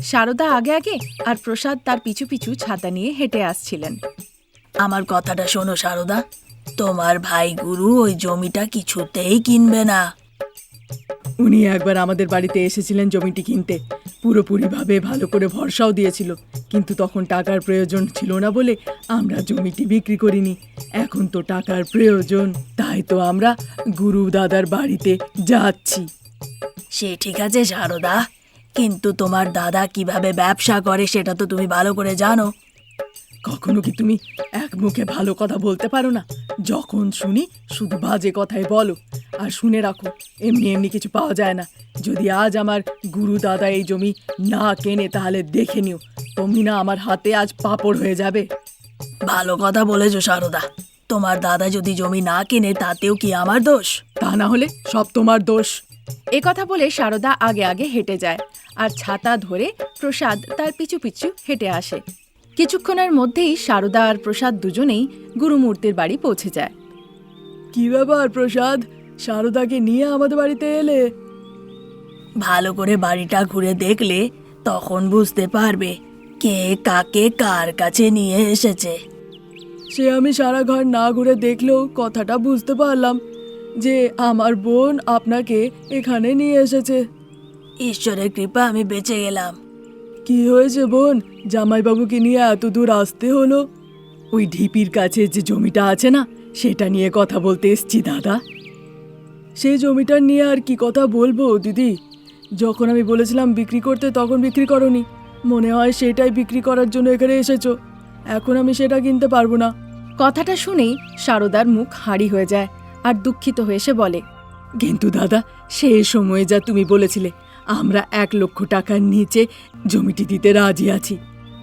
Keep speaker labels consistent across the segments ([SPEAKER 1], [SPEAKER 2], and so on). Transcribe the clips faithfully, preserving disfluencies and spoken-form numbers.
[SPEAKER 1] সারদা আগে আগে আর প্রসাদ তার পিছু পিছু ছাতা নিয়ে হেঁটে আসছিলেন।
[SPEAKER 2] আমার কথাটা শোনো সারদা, তোমার ভাই গুরু ওই জমিটা কিছুতেই কিনবে না।
[SPEAKER 3] উনি একবার আমাদের বাড়িতে এসেছিলেন জমিটি কিনতে, পুরোপুরিভাবে ভালো করে ভরসাও দিয়েছিল, কিন্তু তখন টাকার প্রয়োজন ছিল না বলে আমরা জমিটি বিক্রি করিনি। এখন তো টাকার প্রয়োজন, তাই তো আমরা গুরু দাদার বাড়িতে যাচ্ছি।
[SPEAKER 2] সে ঠিক আছে সারদা, কিন্তু তোমার দাদা কিভাবে ব্যবসা করে সেটা তো তুমি ভালো করে জানো।
[SPEAKER 3] কখনো কি তুমি এক মুখে ভালো কথা বলতে পারো না? যখন শুনি শুধু বাজে কথাই বলো। আর শুনে রাখো, এমনি এমনি কিছু পাওয়া যায় না। যদি আজ আমার গুরু দাদা এই জমি না কেনে তাহলে দেখে নিও, তুমি না আমার হাতে আজ পাপড় হয়ে যাবে।
[SPEAKER 2] ভালো কথা বলেছো সারদা, তোমার দাদা যদি জমি না কেনে তাতেও কি আমার দোষ?
[SPEAKER 3] তা না হলে সব তোমার দোষ।
[SPEAKER 1] এ কথা বলে সারদা আগে আগে হেঁটে যায় আর ছাতা ধরে প্রসাদ তার পিছু পিছু হেঁটে আসে। কিছুক্ষণের মধ্যেই সারদা আর প্রসাদ দুজনেই গুরুমূর্তির বাড়ি পৌঁছে যায়।
[SPEAKER 3] কি ব্যাপার প্রসাদ, সারদাকে নিয়ে আমাদের বাড়িতে এলে?
[SPEAKER 2] ভালো করে বাড়িটা ঘুরে দেখলে তখন বুঝতে পারবে কে কাকে কার কাছে নিয়ে এসেছে।
[SPEAKER 3] সে আমি সারা ঘর না ঘুরে দেখলেও কথাটা বুঝতে পারলাম যে আমার বোন আপনাকে এখানে নিয়ে এসেছে।
[SPEAKER 2] ঈশ্বরের কৃপা আমি বেঁচে গেলাম।
[SPEAKER 3] কি হয়েছে বোন, জামাইবাবুকে নিয়ে এত দূর আসতে হলো? ওই ঢিপির কাছে যে জমিটা আছে না, সেটা নিয়ে কথা বলতে এসছি দাদা। সেই জমিটা নিয়ে আর কি কথা বলবো দিদি? যখন আমি বলেছিলাম বিক্রি করতে তখন বিক্রি করনি। মনে হয় সেটাই বিক্রি করার জন্য এখানে এসেছো। এখন আমি সেটা কিনতে পারবো না।
[SPEAKER 1] কথাটা শুনেই সারদার মুখ হাঁড়ি হয়ে যায় আর দুঃখিত হয়ে সে বলে,
[SPEAKER 3] কিন্তু দাদা, সেই সময়ে যা তুমি বলেছিলে আমরা এক লক্ষ টাকার নিচে জমিটি দিতে রাজি আছি।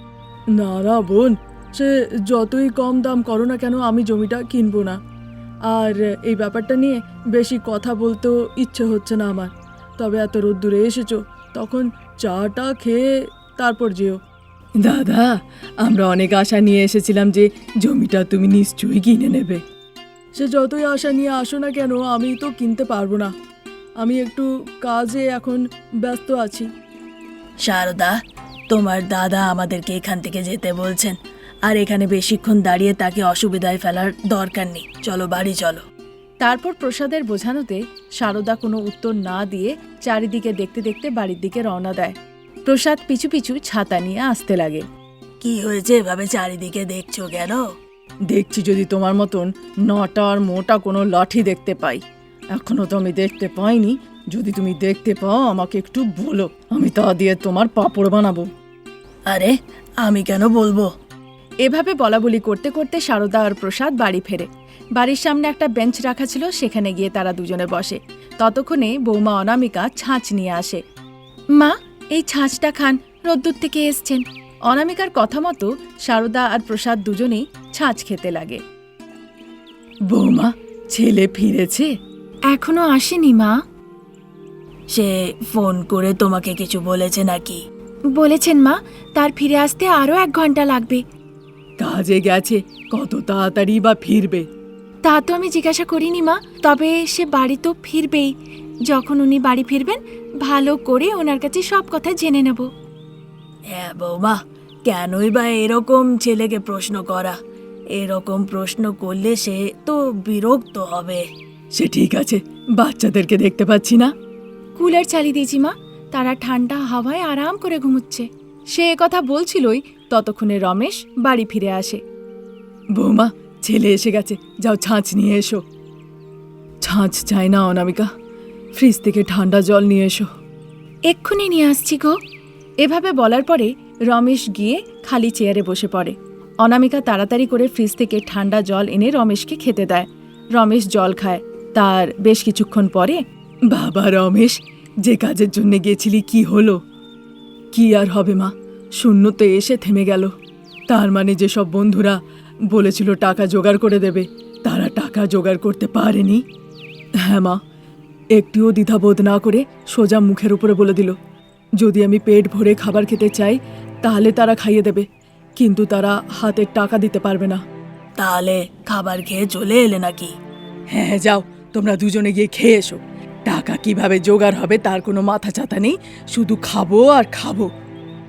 [SPEAKER 3] না না বোন, সে যতই কম দাম করো না কেন আমি জমিটা কিনবো না। আর এই ব্যাপারটা নিয়ে বেশি কথা বলতেও ইচ্ছে হচ্ছে না আমার। তবে এত রোদ্দুরে এসেছো, তখন চাটা খেয়ে তারপর যেও। দাদা, আমরা অনেক আশা নিয়ে এসেছিলাম যে জমিটা তুমি নিশ্চয়ই কিনে নেবে। সে যতই আশা নিয়ে আসো না কেন আমি তো কিনতে পারবো না। আমি একটু কাজে এখন ব্যস্ত আছি।
[SPEAKER 2] সারদা, তোমার দাদা আমাদেরকে এখান থেকে যেতে বলছেন, আর এখানে বেশিক্ষণ দাঁড়িয়ে তাকে অসুবিধায় ফেলার দরকার নেই। চলো বাড়ি চলো।
[SPEAKER 1] তারপর প্রসাদের বোঝানোতে সারদা কোনো উত্তর না দিয়ে চারিদিকে দেখতে দেখতে বাড়ির দিকে রওনা দেয়। প্রসাদ পিছু পিছু ছাতা নিয়ে আসতে লাগে।
[SPEAKER 2] কি হয়েছে এভাবে চারিদিকে দেখছো কেন?
[SPEAKER 3] দেখছি যদি তোমার মতন নটা আর মোটা কোনো লাঠি দেখতে পাই। এখনো তো আমি দেখতে পাইনি। যদি তুমি দেখতে পাও আমাকে একটু বলো, আমি তা দিয়ে তোমার পাঁপড় বানাবো।
[SPEAKER 2] আরে আমি কেন বলবো?
[SPEAKER 1] এভাবে বলাবলি করতে করতে সারদা আর প্রসাদ বাড়ি ফেরে। বাড়ির সামনে একটা বেঞ্চ রাখা ছিল, সেখানে গিয়ে তারা দুজনে বসে। ততক্ষণে বৌমা অনামিকা ছাঁচ নিয়ে আসে। মা, এই ছাঁচটা খান, রোদ্দুর থেকে এসছেন। অনামিকার কথা মতো সারদা আর প্রসাদ দুজনেই ছাঁচ খেতে লাগে।
[SPEAKER 3] বৌমা, ছেলে ফিরেছে?
[SPEAKER 1] এখনো আসেনি মা।
[SPEAKER 2] সে ফোন করে তোমাকে কিছু বলেছে নাকি?
[SPEAKER 1] বলেছেন মা, তার ফিরে আসতে আরো এক ঘন্টা লাগবে।
[SPEAKER 3] কাজে গেছে, কত তাড়াতাড়ি বা ফিরবে?
[SPEAKER 1] তা তো আমি জিজ্ঞাসা করিনি মা, তবে সে বাড়ি তো ফিরবেই। যখন উনি বাড়ি ফিরবেন ভালো করে ওনার কাছে সব কথা জেনে নেব।
[SPEAKER 2] হ্যাঁ বৌমা, কেনই বা এরকম ছেলেকে প্রশ্ন করা? এরকম প্রশ্ন করলে সে তো বিরক্ত হবে।
[SPEAKER 3] সে ঠিক আছে, বাচ্চাদেরকে দেখতে পাচ্ছি না।
[SPEAKER 1] কুলার চালিয়ে দিয়েছি মা, তারা ঠান্ডা হাওয়ায় আরাম করে ঘুমুচ্ছে। সে কথা বলছিলই ততক্ষণে রমেশ বাড়ি ফিরে আসে।
[SPEAKER 3] বৌমা, ছেলে এসে গেছে, যাও ছাঁচ নিয়ে এসো। ছাঁচ চাই না অনামিকা, ফ্রিজ থেকে ঠান্ডা জল নিয়ে এসো।
[SPEAKER 1] এক্ষুনি নিয়ে আসছি গো। এভাবে বলার পরে রমেশ গিয়ে খালি চেয়ারে বসে পড়ে। অনামিকা তাড়াতাড়ি করে ফ্রিজ থেকে ঠান্ডা জল এনে রমেশকে খেতে দেয়। রমেশ জল খায়। তার বেশ কিছুক্ষণ পরে,
[SPEAKER 3] বাবা রমেশ, যে কাজের জন্য গেছিলি কি হলো? কি আর হবে মা, শূন্যতে এসে থেমে গেল। তার মানে যেসব বন্ধুরা বলেছিল টাকা জোগাড় করে দেবে, তারা টাকা জোগাড় করতে পারেনি। হ্যাঁ মা, একটুও দ্বিধাবোধ না করে সোজা মুখের উপরে বলে দিল, যদি আমি পেট ভরে খাবার খেতে চাই তাহলে তারা খাইয়ে দেবে, কিন্তু তারা হাতের টাকা দিতে পারবে না।
[SPEAKER 2] তাহলে খাবার খেয়ে চলে এলে নাকি?
[SPEAKER 3] হ্যাঁ, যাও তোমরা দুজনে গিয়ে খেয়ে এসো। টাকা কিভাবে জোগাড় হবে তার কোনো মাথা চাতা নেই, শুধু খাবো আর খাবো।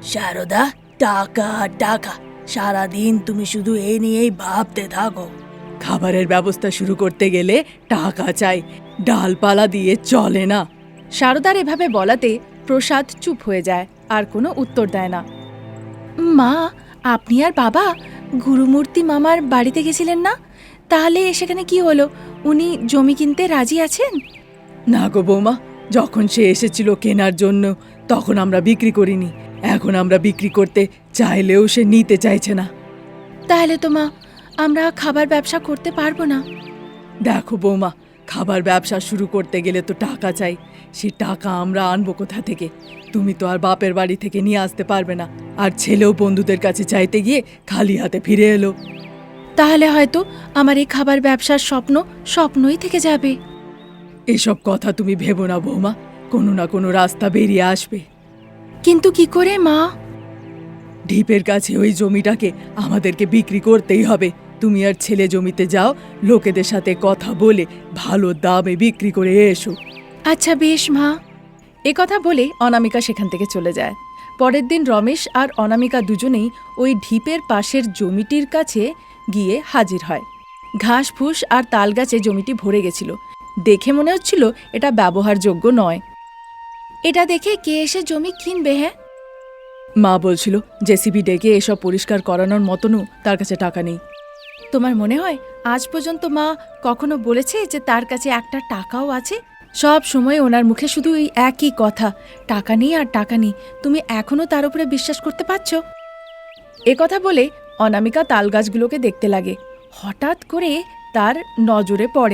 [SPEAKER 2] সারদা, টাকা টাকা, সারাদিন তুমি শুধু এই নিয়েই ভাবতে থাকো।
[SPEAKER 3] খাবারের ব্যবস্থা শুরু করতে গেলে টাকা চাই, ডালপালা দিয়ে চলে না।
[SPEAKER 1] সারদার এভাবে বলাতে প্রসাদ চুপ হয়ে যায়, আর কোনো উত্তর দেয় না। মা, আপনি আর বাবা গুরুমূর্তি মামার বাড়িতে গেছিলেন না? তাহলে সেখানে কি হলো? উনি জমি কিনতে রাজি আছেন?
[SPEAKER 3] না গো বৌমা, যখন সে এসেছিল কেনার জন্য তখন আমরা বিক্রি করিনি। এখন আমরা বিক্রি করতে চাইলেও সে নিতে চাইছে না।
[SPEAKER 1] তাহলে তো মা, আমরা খাবার ব্যবসা করতে পারবো না।
[SPEAKER 3] দেখো বৌমা, খাবার ব্যবসা শুরু করতে গেলে তো টাকা চাই। সে টাকা আমরা আনবো কোথা থেকে? তুমি তো আর বাপের বাড়ি থেকে নিয়ে আসতে পারবে না। আর ছেলেও বন্ধুদের কাছে চাইতে গিয়ে খালি হাতে ফিরে এলো।
[SPEAKER 1] তাহলে হয়তো আমার এই খাবার ব্যবসার স্বপ্ন স্বপ্নই থেকে যাবে।
[SPEAKER 3] এসব কথা তুমি ভেবো না বৌমা, কোনো না কোনো রাস্তা বেরিয়ে আসবে।
[SPEAKER 1] কিন্তু কি করে মা?
[SPEAKER 3] ঢিপের কাছে ওই জমিটাকে আমাদেরকে বিক্রি করতেই হবে। তুমি আর ছেলে জমিতে যাও, লোকেদের সাথে কথা বলে ভালো দামে বিক্রি করে এসো।
[SPEAKER 1] আচ্ছা বেশ মা। এ কথা বলে অনামিকা সেখান থেকে চলে যায়। পরের দিন রমেশ আর অনামিকা দুজনেই ওই ঢিপের পাশের জমিটির কাছে গিয়ে হাজির হয়। ঘাস ফুস আর তাল গাছে জমিটি ভরে গেছিল। দেখে মনে হচ্ছিল এটা ব্যবহারযোগ্য নয়। এটা দেখে কে এসে জমি কিনবে? হ্যাঁ,
[SPEAKER 3] মা বলছিল জেসিবি ডেকে এসব পরিষ্কার করানোর মতনও তার কাছে টাকা নেই।
[SPEAKER 1] তোমার মনে হয় আজ পর্যন্ত মা কখনো বলেছে যে তার কাছে একটা টাকাও আছে? সব সময় ওনার মুখে শুধু এই একই কথা, টাকা নেই আর টাকা নেই। তুমি এখনো তার উপরে বিশ্বাস করতে পারছো? এ কথা বলে অনামিকা তাল গাছগুলোকে দেখতে লাগে। হঠাৎ করে তার নজরে পড়ে,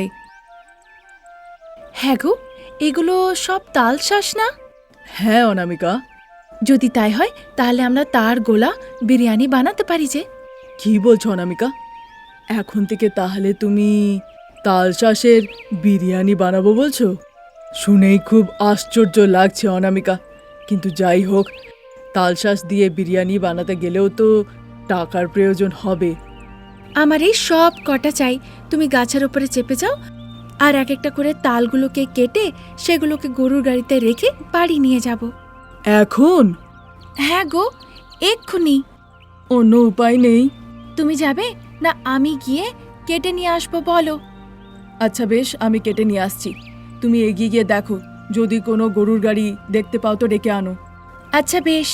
[SPEAKER 1] হ্যাঁ গো, এগুলো সব তাল শাঁস না?
[SPEAKER 3] হ্যাঁ অনামিকা।
[SPEAKER 1] যদি তাই হয় তাহলে আমরা তার গোলা বিরিয়ানি বানাতে পারি যে।
[SPEAKER 3] কি বলছো অনামিকা? এখন থেকে তাহলে তুমি তাল চাষের বিরিয়ানি বানাবো বলছো? শুনেই খুব আশ্চর্য লাগছে অনামিকা। কিন্তু যাই হোক, তাল চাষ দিয়ে বিরিয়ানি বানাতে গেলেও তো টাকার প্রয়োজন হবে।
[SPEAKER 1] আমার এই সব কটা চাই। তুমি গাছের ওপরে চেপে যাও, আর এক একটা করে তালগুলোকে কেটে সেগুলোকে গরুর গাড়িতে রেখে বাড়ি নিয়ে যাব।
[SPEAKER 3] এখন?
[SPEAKER 1] হ্যাঁ গো, এক্ষুনি।
[SPEAKER 3] অন্য উপায় নেই।
[SPEAKER 1] তুমি যাবে না আমি গিয়ে কেটে নিয়ে আসবো বলো?
[SPEAKER 3] আচ্ছা বেশ, আমি কেটে নিয়ে আসছি। তুমি এগিয়ে গিয়ে দেখো, যদি কোনো গরুর গাড়ি দেখতে পাও তো ডেকে আনো।
[SPEAKER 1] আচ্ছা বেশ।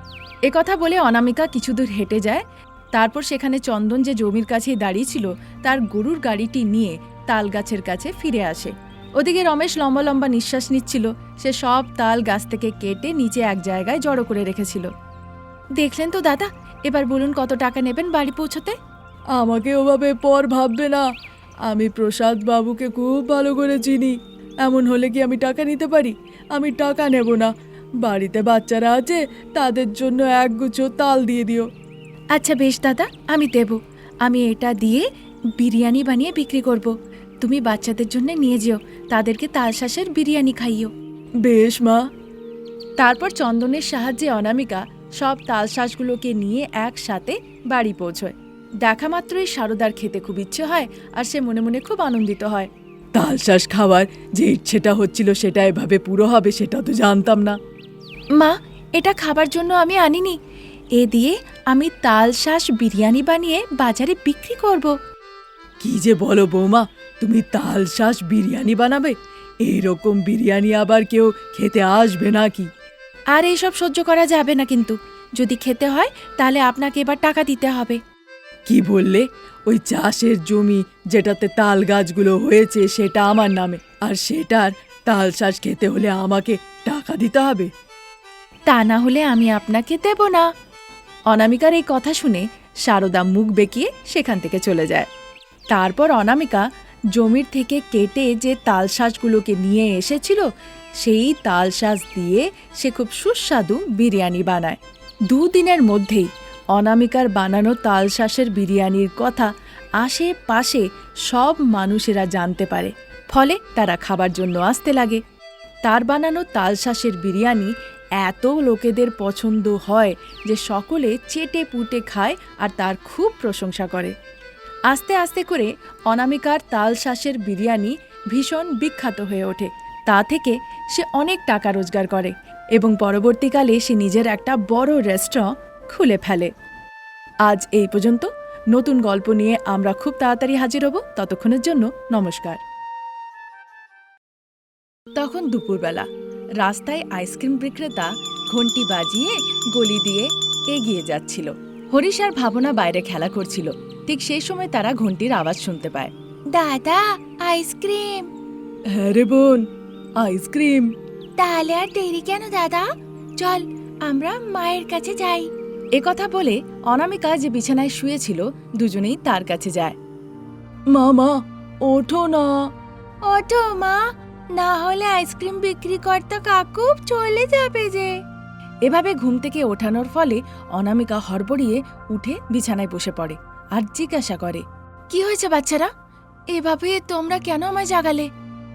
[SPEAKER 1] এ কথা বলে অনামিকা কিছু দূর হেঁটে যায়। তারপর সেখানে চন্দন যে জমির কাছেই দাঁড়িয়ে ছিল তার গরুর গাড়িটি নিয়ে তাল গাছের কাছে ফিরে আসে। ওদিকে রমেশ লম্বা লম্বা নিঃশ্বাস নিচ্ছিল। সে সব তাল গাছ থেকে কেটে নিচে এক জায়গায় জড়ো করে রেখেছিল। দেখলেন তো দাদা, এবার বলুন কত টাকা নেবেন বাড়ি পৌঁছতে?
[SPEAKER 3] আমাকে ওভাবে পর ভাববে না। আমি প্রসাদ বাবুকে খুব ভালো করে চিনি। এমন হলে কি আমি টাকা নিতে পারি? আমি টাকা নেব না। বাড়িতে বাচ্চারা আছে, তাদের জন্য একগুচ্ছ তাল দিয়ে দিও।
[SPEAKER 1] আচ্ছা বেশ দাদা, আমি দেব। আমি এটা দিয়ে বিরিয়ানি বানিয়ে বিক্রি করব। তুমি বাচ্চাদের জন্য নিয়ে যেও, তাদেরকে তালশাঁসের বিরিয়ানি খাইও।
[SPEAKER 3] বেশ মা।
[SPEAKER 1] তারপর চন্দনের সাহায্যে অনামিকা সব তালশাঁসগুলোকে নিয়ে একসাথে বাড়ি পৌঁছয়। দেখা মাত্রই সারদার খেতে খুব ইচ্ছে হয়, আর সে মনে মনে খুব আনন্দিত হয়।
[SPEAKER 3] তাল শাঁস খাওয়ার যে ইচ্ছেটা হচ্ছিল সেটা এভাবে পুরো হবে সেটা তো জানতাম না।
[SPEAKER 1] মা, এটা খাবার জন্য আমি আনিনি। এ দিয়ে আমি তালশাঁস বিরিয়ানি বানিয়ে বাজারে বিক্রি করব।
[SPEAKER 3] কি যে বলো বৌমা, তুমি তাল শাঁস বিরিয়ানি বানাবে? এইরকম বিরিয়ানি আবার কেউ খেতে আসবে নাকি?
[SPEAKER 1] আর এইসব সহ্য করা যাবে না, কিন্তু যদি খেতে হয় তাহলে আপনাকে এবার টাকা দিতে হবে।
[SPEAKER 3] কি বললে? ওই চাষের জমি যেটাতে তাল গাছগুলো হয়েছে সেটা আমার নামে, আর সেটার তাল শাঁস খেতে হলে আমাকে টাকা দিতে হবে?
[SPEAKER 1] তা না হলে আমি আপনাকে দেব না। অনামিকার এই কথা শুনে সারদা মুখ বেঁকিয়ে সেখান থেকে চলে যায়। তারপর অনামিকা জমির থেকে কেটে যে তালশাঁসগুলোকে নিয়ে এসেছিল সেই তালশাঁস দিয়ে সে খুব সুস্বাদু বিরিয়ানি বানায়। দুদিনের মধ্যেই অনামিকার বানানো তালশাঁসের বিরিয়ানির কথা আশেপাশে সব মানুষেরা জানতে পারে। ফলে তারা খাবার জন্য আসতে লাগে। তার বানানো তালশাঁসের বিরিয়ানি এত লোকেদের পছন্দ হয় যে সকলে চেটে পুটে খায় আর তার খুব প্রশংসা করে। আস্তে আস্তে করে অনামিকার তালশাঁসের বিরিয়ানি ভীষণ বিখ্যাত হয়ে ওঠে। তা থেকে সে অনেক টাকা রোজগার করে। এবং পরবর্তীকালে সে নিজের একটা বড় রেস্টুরেন্ট খুলে ফেলে। আজ এই পর্যন্ত। নতুন গল্প নিয়ে আমরা খুব তাড়াতাড়ি হাজির হব। ততক্ষণের জন্য নমস্কার। তখন দুপুরবেলা রাস্তায় আইসক্রিম বিক্রেতা ঘন্টি বাজিয়ে গলি দিয়ে এগিয়ে যাচ্ছিল। হরিশ আর ভাবনা বাইরে খেলা করছিল। ঠিক সেই সময় তারা ঘন্টির আওয়াজ শুনতে পায়। দাদা, আইসক্রিম।
[SPEAKER 3] হ্যাঁ রে বোন, আইসক্রিম।
[SPEAKER 1] তাহলে আর দেরি কেন দাদা, চল আমরা মায়ের কাছে যাই। এ কথা বলে অনামিকা যে বিছানায় শুয়েছিল দুজনেই তার কাছে যায়।
[SPEAKER 3] মা মা ওঠো না।
[SPEAKER 1] ওঠো মা, না হলে আইসক্রিম বিক্রি কর্তা কাকু চলে যাবে যে। এভাবে ঘুম থেকে ওঠানোর ফলে অনামিকা হড়বড়িয়ে উঠে বিছানায় বসে পড়ে আর জিজ্ঞাসা করে, কি হয়েছে বাচ্চারা, এভাবে তোমরা কেন আমায় জাগালে?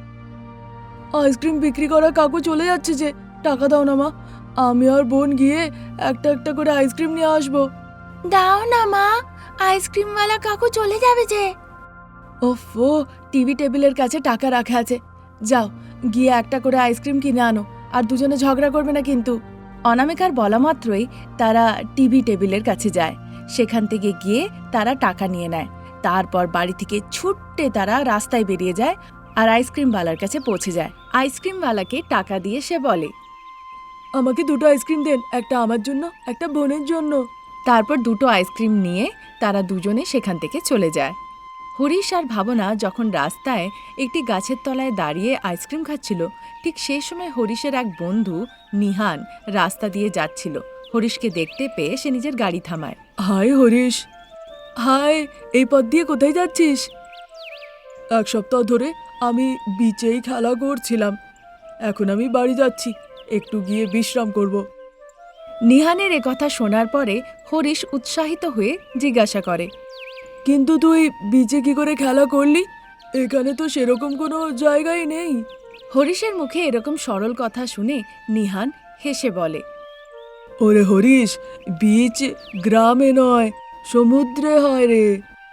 [SPEAKER 3] আইসক্রিম বিক্রি করা কাকু চলে যাচ্ছে যে, টাকা দাও না মা, আমি আর বোন গিয়ে একটা একটা করে আইসক্রিম নিয়ে আসবো।
[SPEAKER 1] দাও না মা, আইসক্রিমওয়ালা কাকু চলে যাবে যে। ওফো, টিভি টেবিলের কাছে টাকা রাখা আছে, যাও গিয়ে একটা করে আইসক্রিম কিনে আনো, আর দুজনে ঝগড়া করবে না কিন্তু। অনামিকার বলা মাত্রই তারা টিভি টেবিলের কাছে যায়। সেখান থেকে গিয়ে তারা টাকা নিয়ে নেয়। তারপর বাড়ি থেকে ছুট্টে তারা রাস্তায় বেরিয়ে যায় আর আইসক্রিমওয়ালার কাছে পৌঁছে যায়। আইসক্রিমওয়ালাকে টাকা দিয়ে সে বলে,
[SPEAKER 3] আমাকে দুটো আইসক্রিম দেন, একটা আমার জন্য, একটা বোনের জন্য।
[SPEAKER 1] তারপর দুটো আইসক্রিম নিয়ে তারা দুজনে সেখান থেকে চলে যায়। হরিশ আর ভাবনা যখন রাস্তায় একটি গাছের তলায় দাঁড়িয়ে আইসক্রিম খাচ্ছিল, ঠিক সেই সময় হরিশের এক বন্ধু নিহান রাস্তা দিয়ে যাচ্ছিল। হরিশকে দেখতে পেয়ে সে নিজের গাড়ি থামায়।
[SPEAKER 3] হাই হরিশ। হাই, এই পথ দিয়ে কোথায় যাচ্ছিস? এক সপ্তাহ ধরে আমি বিচেই খেলা করছিলাম, এখন আমি বাড়ি যাচ্ছি, একটু গিয়ে বিশ্রাম করব।
[SPEAKER 1] নিহানের কথা শোনার পরে হরিশ উৎসাহিত হয়ে জিজ্ঞাসা করে,
[SPEAKER 3] কিন্তু তুই বিচে কি করে খেলা করলি? এখানে তো সেরকম কোনো জায়গাই নেই।
[SPEAKER 1] হরিশের মুখে এরকম সরল কথা শুনে নিহান হেসে বলে,
[SPEAKER 3] ওরে হরিশ, বিচ গ্রামে নয়, সমুদ্রে হয় রে।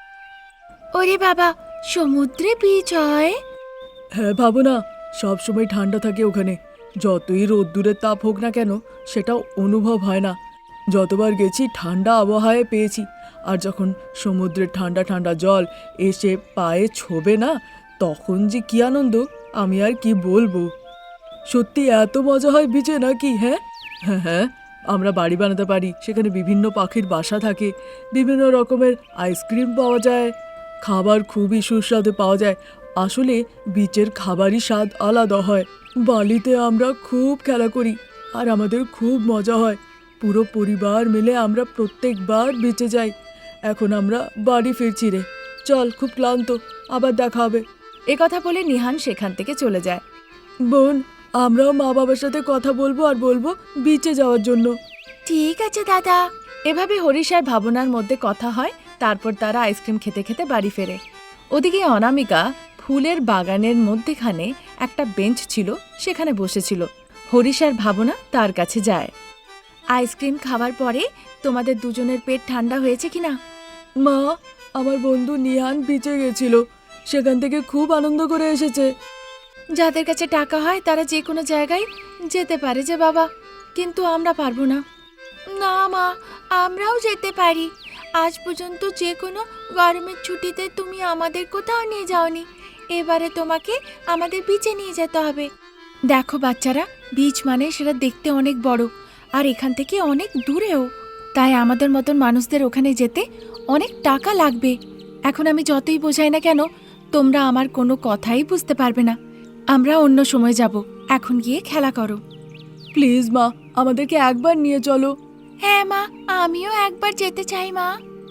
[SPEAKER 1] ওরে বাবা, সমুদ্রে বীচ হয়?
[SPEAKER 3] হ্যাঁ ভাবনা, সব সময় ঠান্ডা থাকে ওখানে, যতই রোদ্দুরের তাপ হোক না কেন সেটাও অনুভব হয় না। যতবার গেছি ঠান্ডা আবহাওয়ায় পেয়েছি, আর যখন সমুদ্রের ঠান্ডা ঠান্ডা জল এসে পায়ে ছোবে না, তখন যে কি আনন্দ আমি আর কি বলবো। সত্যি এত মজা হয় বিচে নাকি? হ্যাঁ হ্যাঁ হ্যাঁ, আমরা বাড়ি বানাতে পারি, সেখানে বিভিন্ন পাখির বাসা থাকে, বিভিন্ন রকমের আইসক্রিম পাওয়া যায়, খাবার খুবই সুস্বাদু পাওয়া যায়। আসলে বিচের খাবারই স্বাদ আলাদা হয়। বালিতে আমরা খুব খেলা করি আর আমাদের খুব মজা হয়। পুরো পরিবার মিলে আমরা প্রত্যেকবার বিচে যাই। এখন আমরা বাড়ি ফিরছি রে, চল, খুব ক্লান্ত, আবার দেখা হবে।
[SPEAKER 1] এ কথা বলে নিহান সেখান থেকে চলে যায়।
[SPEAKER 3] বোন, আমরাও মা বাবার সাথে কথা বলবো আর বলবো বিচে যাওয়ার জন্য।
[SPEAKER 1] ঠিক আছে দাদা। এভাবে হরিশ আর ভাবনার মধ্যে কথা হয়। তারপর তারা আইসক্রিম খেতে খেতে বাড়ি ফেরে। ওদিকে অনামিকা ফুলের বাগানের মধ্যেখানে একটা বেঞ্চ ছিল, সেখানে বসেছিল। হরিশ আর ভাবনা তার কাছে যায়। আইসক্রিম খাওয়ার পরে তোমাদের দুজনের পেট ঠান্ডা হয়েছে কিনা?
[SPEAKER 3] মা, আমার বন্ধু নিহান বিচে গেছিল, সেখান থেকে খুব আনন্দ করে এসেছে।
[SPEAKER 1] যাদের কাছে টাকা হয় তারা যে কোনো জায়গায় যেতে পারে যে বাবা, কিন্তু আমরা পারবো না। না মা, আমরাও যেতে পারি। আজ পর্যন্ত যে কোনো গরমের ছুটিতে তুমি আমাদের কোথাও নিয়ে যাওনি, এবারে তোমাকে আমাদের বিচে নিয়ে যেতে হবে। দেখো বাচ্চারা, বিচ মানে সেটা দেখতে অনেক বড়, আর এখান থেকে অনেক দূরেও, তাই আমাদের মতন মানুষদের ওখানে যেতে অনেক টাকা লাগবে। এখন আমি যতই বোঝাই না কেন, তোমরা আমার কোনো কথাই বুঝতে পারবে না। আমরা অন্য সময় যাব, এখন গিয়ে খেলা করো।
[SPEAKER 3] প্লিজ মা, আমাদেরকে একবার নিয়ে চলো।
[SPEAKER 1] হ্যাঁ মা, আমিও একবার যেতে চাই মা।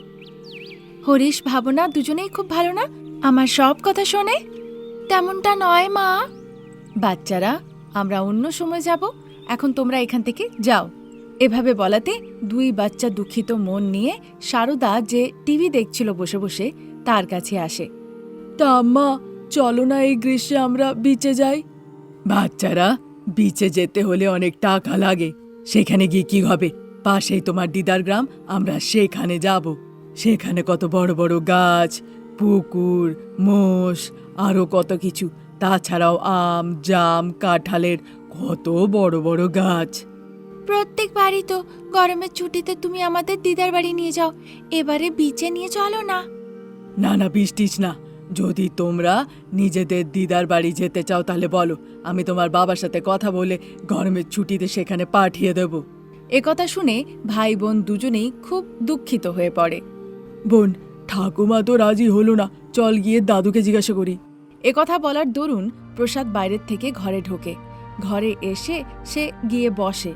[SPEAKER 1] হরিশ ভাবনা দুজনেই খুব ভালো না, আমার সব কথা শোনে। তেমনটা নয় মা। বাচ্চারা, আমরা অন্য সময় যাব, এখন তোমরা এখান থেকে যাও। এভাবে বলাতে দুই বাচ্চা দুঃখিত মন নিয়ে সারদা যে টিভি দেখছিল বসে বসে তার কাছে আসে।
[SPEAKER 3] তা আম্মা, চলো না এই গ্রীষ্মে আমরা বিচে যাই। বাচ্চারা, বিচে যেতে হলে অনেক টাকা লাগে, সেখানে গিয়ে কি হবে? পাশেই তোমার দিদার গ্রাম, আমরা সেখানে যাব। সেখানে কত বড় বড় গাছ, পুকুর, মোষ, আরো কত কিছু। তাছাড়াও আম, জাম, কাঁঠালের কত বড় বড় গাছ।
[SPEAKER 1] প্রত্যেকবারই তো গরমের ছুটিতে তুমি আমাদের দিদার বাড়ি নিয়ে যাও, এবারে বিচে নিয়ে চলো না।
[SPEAKER 3] না না বৃষ্টিস না, যদি তোমরা নিজেদের দিদার বাড়ি যেতে চাও তাহলে বলো, আমি তোমার বাবার সাথে কথা বলে গরমের ছুটিতে সেখানে পাঠিয়ে দেব।
[SPEAKER 1] একথা শুনে ভাই বোন দুজনেই খুব দুঃখিত হয়ে পড়ে।
[SPEAKER 3] বোন, ঠাকুমা তো রাজি হলো না, চল গিয়ে দাদুকে জিজ্ঞাসা করি।
[SPEAKER 1] একথা বলার দরুন প্রসাদ বাইরের থেকে ঘরে ঢোকে। ঘরে এসে সে গিয়ে বসে।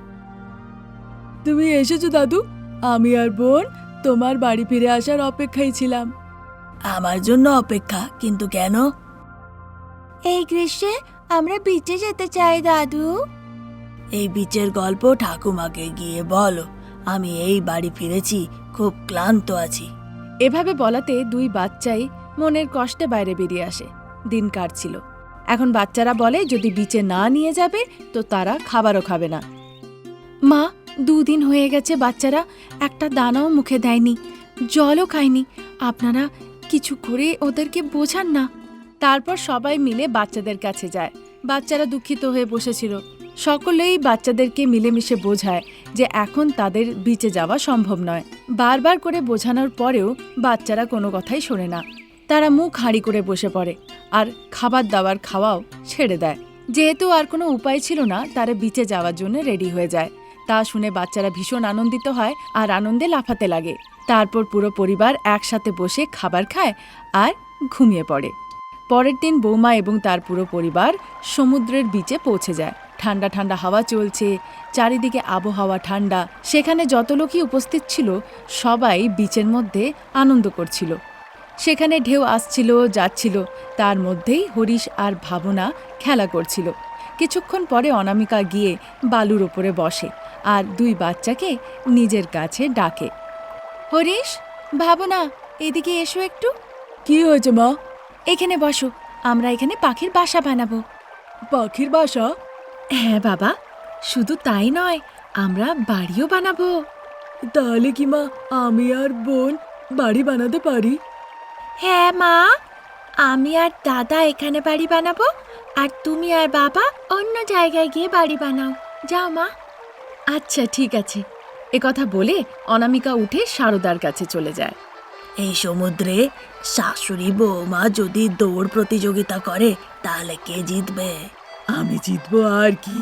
[SPEAKER 3] তুমি এসেছো দাদু? আমি আর বোন তোমার বাড়ি ফিরে আসার অপেক্ষায় ছিলাম।
[SPEAKER 2] আমার জন্য অপেক্ষা? কিন্তু কেন?
[SPEAKER 1] এই গ্রীষ্মে আমরা বিচে যেতে চাই দাদু।
[SPEAKER 2] এই বিচের গল্প ঠাকুমাকে গিয়ে বলো। আমি এই বাড়ি ফিরেছি, খুব ক্লান্ত আছি।
[SPEAKER 1] এভাবে বলাতে দুই বাচ্চাই মনের কষ্টে বাইরে বেরিয়ে আসে। দিন কাটছিল। এখন বাচ্চারা বলে যদি বিচে না নিয়ে যাবে তো তারা খাবারও খাবে না। মা, দুদিন হয়ে গেছে বাচ্চারা একটা দানাও মুখে দেয়নি, জলও খায়নি। আপনারা কিছু করে ওদেরকে বোঝান না। তারপর সবাই মিলে বাচ্চাদের কাছে যায়। বাচ্চারা দুঃখিত হয়ে বসেছিল। সকলেই বাচ্চাদেরকে মিলেমিশে বোঝায় যে এখন তাদের বিচে যাওয়া সম্ভব নয়। বারবার করে বোঝানোর পরেও বাচ্চারা কোনো কথাই শোনে না। তারা মুখ হাঁড়ি করে বসে পড়ে আর খাবার দাবার খাওয়াও ছেড়ে দেয়। যেহেতু আর কোনো উপায় ছিল না, তারা বিচে যাওয়ার জন্য রেডি হয়ে যায়। তা শুনে বাচ্চারা ভীষণ আনন্দিত হয় আর আনন্দে লাফাতে লাগে। তারপর পুরো পরিবার একসাথে বসে খাবার খায় আর ঘুমিয়ে পড়ে। পরের দিন বৌমা এবং তার পুরো পরিবার সমুদ্রের বিচে পৌঁছে যায়। ঠান্ডা ঠান্ডা হাওয়া চলছে, চারিদিকে আবহাওয়া ঠান্ডা। সেখানে যত লোকই উপস্থিত ছিল সবাই বিচের মধ্যে আনন্দ করছিল। সেখানে ঢেউ আসছিল যাচ্ছিল, তার মধ্যেই হরিশ আর ভাবনা খেলা করছিল। কিছুক্ষণ পরে অনামিকা গিয়ে বালুর ওপরে বসে আর দুই বাচ্চাকে নিজের কাছে ডাকে। হরিশ, ভাবনা, এদিকে এসো একটু।
[SPEAKER 3] কি হয়েছে মা?
[SPEAKER 1] এখানে বসো, আমরা এখানে পাখির বাসা বানাবো।
[SPEAKER 3] পাখির বাসা?
[SPEAKER 1] হ্যাঁ বাবা, শুধু তাই নয়, আমরা বাড়িও বানাবো।
[SPEAKER 3] তাহলে কি মা আমি আর বোন বাড়ি বানাতে পারি?
[SPEAKER 1] হ্যাঁ মা, আমি আর দাদা এখানে বাড়ি বানাবো আর তুমি আর বাবা অন্য জায়গায় গিয়ে বাড়ি বানাও। যাও মা। আচ্ছা ঠিক আছে। একথা বলে অনামিকা উঠে সারদার কাছে চলে যায়।
[SPEAKER 2] এই সমুদ্রে শাশুড়ি বৌমা যদি দৌড় প্রতিযোগিতা করে তাহলে কে জিতবে?
[SPEAKER 3] আমি জিতবো আর কি।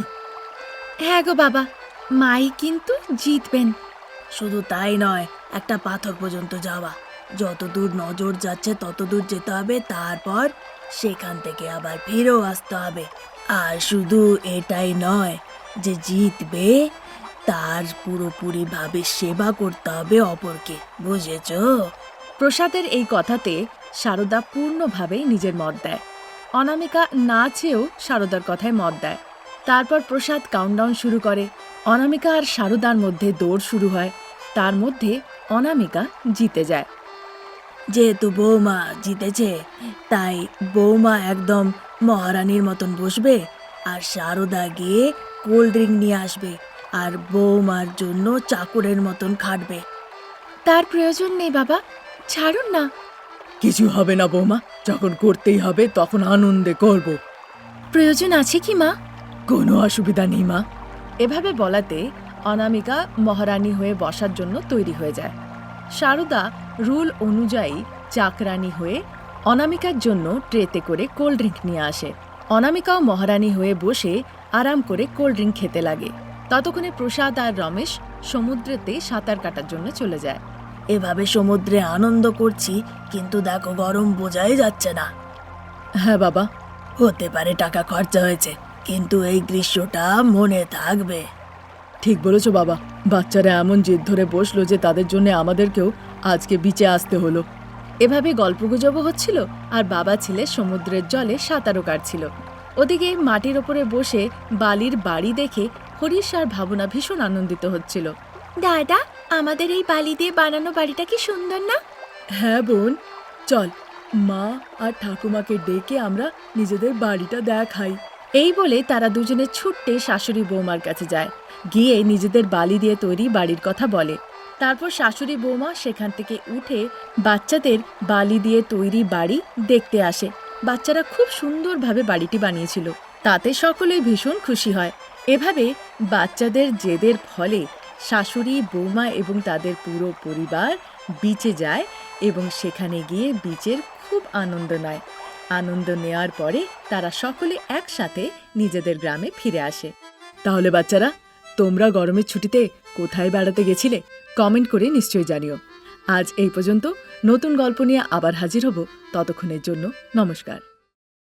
[SPEAKER 1] হ্যাঁ গো বাবা, মাই কিন্তু জিতবেন।
[SPEAKER 2] শুধু তাই নয়, একটা পাথর পর্যন্ত যাওয়া। যত দূর নজর যাচ্ছে তত দূর যেতে হবে, তারপর সেখান থেকে আবার ফিরেও আসতে হবে। আর শুধু এটাই নয় যে জিতবে, তার পুরোপুরি ভাবে সেবা করতে হবে অপরকে, বুঝেছো?
[SPEAKER 1] প্রসাদের এই কথাতে সারদা পূর্ণভাবে নিজের মত দেয়। অনামিকা না চেয়েও সারদার কথায় মত দেয়। তারপর প্রসাদ কাউন্টডাউন শুরু করে। অনামিকা আর সারদার মধ্যে দৌড় শুরু হয়। তার মধ্যে অনামিকা জিতে যায়।
[SPEAKER 2] যেহেতু বৌমা জিতেছে, তাই বৌমা একদম মহারানীর মতন বসবে আর সারদা গিয়ে কোল্ড ড্রিঙ্ক নিয়ে আসবে আর বৌমার জন্য চাকরের মতন খাটবে।
[SPEAKER 1] তার প্রয়োজন নেই বাবা, ছাড়ুন না।
[SPEAKER 3] কিছু হবে না বৌমা, যখন করতেই হবে তখন আনন্দে করব।
[SPEAKER 1] প্রয়োজন আছে কি মা?
[SPEAKER 3] কোনো অসুবিধা নেই মা।
[SPEAKER 1] এভাবে বলাতে অনামিকা মহারানী হয়ে বসার জন্য তৈরি হয়ে যায়। সারদা রুল অনুযায়ী চাকরানী হয়ে অনামিকার জন্য ট্রেতে করে কোল্ড ড্রিঙ্ক নিয়ে আসে। অনামিকাও মহারানী হয়ে বসে আরাম করে কোল্ড ড্রিঙ্ক খেতে লাগে। ততক্ষণে প্রসাদ আর রমেশ সমুদ্রেতে সাঁতার কাটার জন্য চলে যায়।
[SPEAKER 2] এভাবে সমুদ্রে আনন্দ করছি, কিন্তু দেখো গরম বোঝাই যাচ্ছে না।
[SPEAKER 3] হ্যাঁ বাবা,
[SPEAKER 2] হতে পারে টাকা খরচা হয়েছে, কিন্তু এই গ্রীষ্মটা মনে থাকবে।
[SPEAKER 3] ঠিক বলেছো বাবা। বাচ্চারা এমন জেদ ধরে বসলো যে তাদের জন্য আমাদেরকেও আজকে বিচে আসতে হলো।
[SPEAKER 1] এভাবে গল্পগুজবও হচ্ছিল আর বাবা ছেলে সমুদ্রের জলে সাঁতারও কাটছিল। ওদিকে মাটির ওপরে বসে বালির বাড়ি দেখে হরিশ আর ভাবনা ভীষণ আনন্দিত হচ্ছিল। দাদা, আমাদের এই বালি দিয়ে বানানো বাড়িটা কি সুন্দর না?
[SPEAKER 3] হ্যাঁ বোন, চল মা আর ঠাকুমাকে ডেকে আমরা নিজেদের বাড়িটা দেখাই।
[SPEAKER 1] এই বলে তারা দুজনে ছুট্টে শাশুড়ি বৌমার কাছে যায়। গিয়ে নিজেদের বালি দিয়ে তৈরি বাড়ির কথা বলে। তারপর শাশুড়ি বৌমা সেখান থেকে উঠে বাচ্চাদের বালি দিয়ে তৈরি বাড়ি দেখতে আসে। বাচ্চারা খুব সুন্দরভাবে বাড়িটি বানিয়েছিল। তাতে সকলেই ভীষণ খুশি হয়। এভাবে বাচ্চাদের জেদের ফলে শাশুড়ি, বৌমা এবং তাদের পুরো পরিবার বিচে যায় এবং সেখানে গিয়ে বিচের খুব আনন্দ নেয়। আনন্দ নেওয়ার পরে তারা সকলে একসাথে নিজেদের গ্রামে ফিরে আসে।
[SPEAKER 3] তাহলে বাচ্চারা, তোমরা গরমের ছুটিতে কোথায় বেড়াতে গেছিলে? কমেন্ট করে নিশ্চয়ই জানিও। আজ এই পর্যন্ত। নতুন গল্প নিয়ে আবার হাজির হব। ততক্ষণের জন্য নমস্কার।